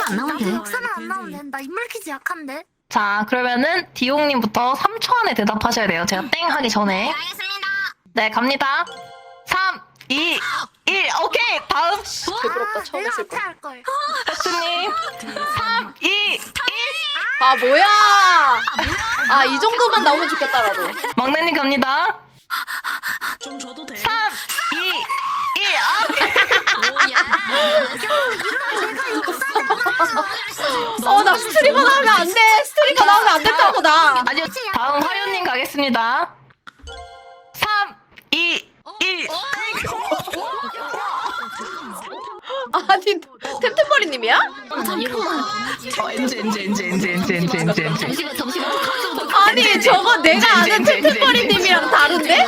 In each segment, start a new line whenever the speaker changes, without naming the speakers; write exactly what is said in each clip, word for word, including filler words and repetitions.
안 나오면 돼.
역사는 안 나오면 된다. 인물 퀴즈 약한데.
자, 그러면은 디용님부터 삼 초 안에 대답하셔야 돼요. 제가 땡 하기 전에.
알겠습니다.
네, 갑니다. 삼, 이, 일. 오케이. 다음.
부끄럽다. 처음
내가
했을
앞에
거.
할 걸.
혁수님. 삼, 이, 일.
아 뭐야? 아 이 정도만 나오면 좋겠다라도.
막내님 갑니다.
좀 줘도 돼.
삼, 이, 일. 아,
어 나 스트리머 나오면 안 돼. 스트리머 나오면 안 된다고 나.
아니요. 다음 화요님 가겠습니다. 삼, 이, 일.
아니 템템버리님이야?
어, 엔지, 엔지, 엔지, 엔지, 엔지, 엔지, 엔지, 엔지.
잠시만 잠시만.
아니 저거 내가 아는 템템버리님이랑 다른데?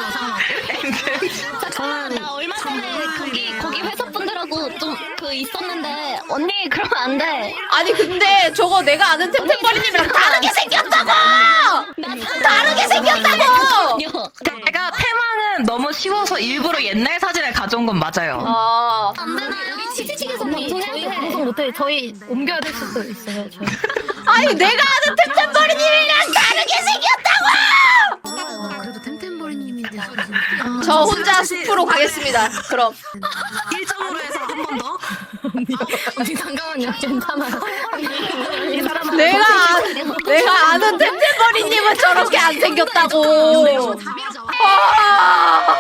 나 얼마 전에 거기 거기 회사 분들하고 좀 그 있었는데 언니 그러면 안 돼.
아니 근데 저거 내가 아는 템템버리님이랑 다르게 생겼다고! 다르게 생겼다고!
제가 테마는 너무 쉬워서 일부러 옛날 사진을 가져온 건 맞아요.
아
안 되나? 우리 치치치기선님 저희 방송 못해. 저희 옮겨야 될 수도 있어요. 저희.
아니 내가 아는 템템버리님이랑 다르게 생겼다고!
그래도 템템버리님인데.
저 혼자 숲으로 가겠습니다. 그럼
일 점으로 해서 한 번 더. 언니 잠깐만요. 괜찮아요. 이 사람
내가 아- 내가 아는 템템버리님은 저렇게 안 생겼다고. 아,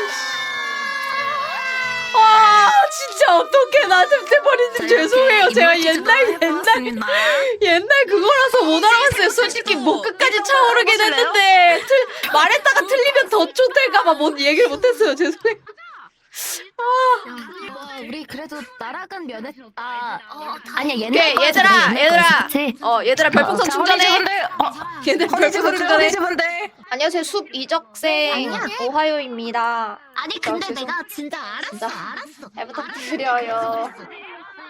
아 진짜 어떡해. 나 템템버리님 죄송해요. 제가 옛날 옛날 옛날 그거라서 못 알아봤어요. 솔직히 목 끝까지 차오르긴 했는데 틀, 말했다가 틀리면 더 쫓될까봐 못 얘기를 못했어요. 죄송해요.
와, 우리 그래도 날아간 면했다. 어, 아니야 옛날
오케이
거지,
얘들아
옛날
얘들아
거지, 그치?
어 얘들아 별풍선 충전해.
분들, 어,
얘들 별풍선 충전해.
분들.
안녕하세요 숲 이적생
아니야.
오하요입니다.
아니 근데
어, 죄송-
내가 진짜 알았어
진짜?
알았어.
잘 부탁드려요.